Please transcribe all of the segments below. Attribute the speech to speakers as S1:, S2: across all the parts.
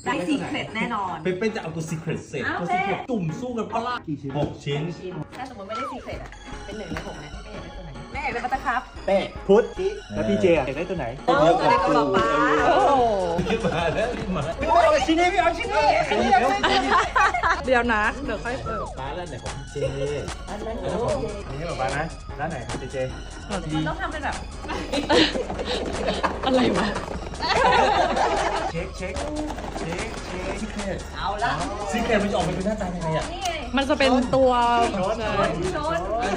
S1: ได้ซีเครตแน่นอน
S2: เป็นจะเอาตัวซีเครตเสร็จตัวซีเครตจุ่มสู้กันปะล่ะ6 ชิ้น
S1: ถ้าสมมติไม่ได้ซีเครตอ่ะเป็น1 ใน 6เนี่ยแม่อยากได้ตัวไหนแม่อยากได้บัตเตอร์คัพ
S3: เป้พุทธแล้วพี่เจอยากได้ตัวไหน
S1: ตัวไหนก็บอกป้า
S2: รีบมาแล้วรีบมา
S3: เอาชิ้นนี้พี่เอาชิ้นนี้
S4: เดี๋ยวนะเดี๋ยวค่อยเปิด
S2: ป้าแล้วไหนของเจ
S1: อันนั้น
S3: นี่แบบป้านะร้านไหนครับเจ
S1: มันต้องทำเป็นแบบ
S4: อะไรวะ
S3: เช็คซีเครต
S1: เอาละ
S2: ซีเครตมันจะออกมาเป็นหน้าตายังไงอ่ะ
S4: มันจะเป็นตัว
S1: ชน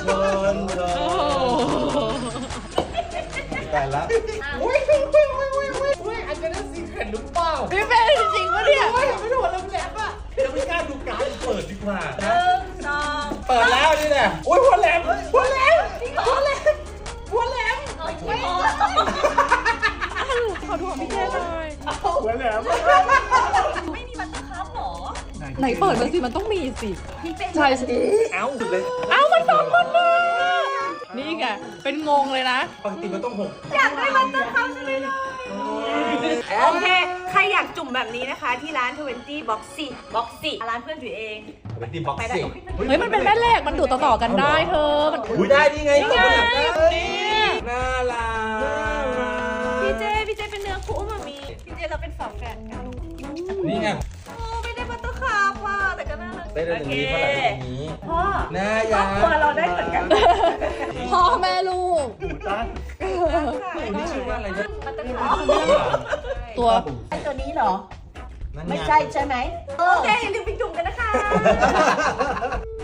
S3: แต่ละ
S2: อุ้ยอันนี้ซีเครตหรือเปล่า
S4: พี่เป็นจริงปะเนี่ย
S2: ไม่รู้ว่าเราแหลมอ่ะเดี๋ยวไม่กล้าดูการเปิดดีกว่า
S1: 1 2
S2: เปิดแล้วนี่แหละโอ้ยหัวแหลมหัวแหลม
S4: ขอโทษพี่เจหน่อย
S3: หัวแหลม
S1: ไม่มีบัตเตอร์คัพหรอ
S4: ไหนเปิดมาสิมันต้องมีสิ
S1: พี่เป็น
S4: ใช่สิ
S3: เอ้าเลย
S4: มัน2 คนเลยนี่ไงเป็นงงเลยนะ
S2: ปกติมันต้อง6
S1: อยากได้บัตเตอร์คัพใช่ไหมล่ะโอเคใครอยากจุ่มแบบนี้นะคะที่ร้าน20 Boxy ร้านเพื่อนถือเอง
S2: เป็นทีบ็อกซิ่ง
S4: เฮ้ยมันเป็นแม่เหล็กมันดูดต่อๆกันได้เธอมัน
S2: ได้นี่ไง
S4: นี่
S2: น่ารัก
S1: พี่เจเป็นเนื้อคู่มามีพี่เจเราเป็นฝาแฝดกัน
S2: นี่ไง
S1: ไม่ได้บัตเตอร์คัพว่ะแต่ก็น่ารัก
S2: ได้ตรงนี้เท่าไหร่ตรงนี้
S1: พ่อ
S2: น่ารัก
S1: ตัวเราได้เหมือนกัน
S4: พ่อแม่ลูก
S2: นี่ชื่อว่าอะไรนะ
S1: บัตเตอร์คัพ
S4: ตัว
S1: ตัวนี้เหรอไม่ใช่ไหมโอเคอย่าลืมไปจุ่มกันนะคะ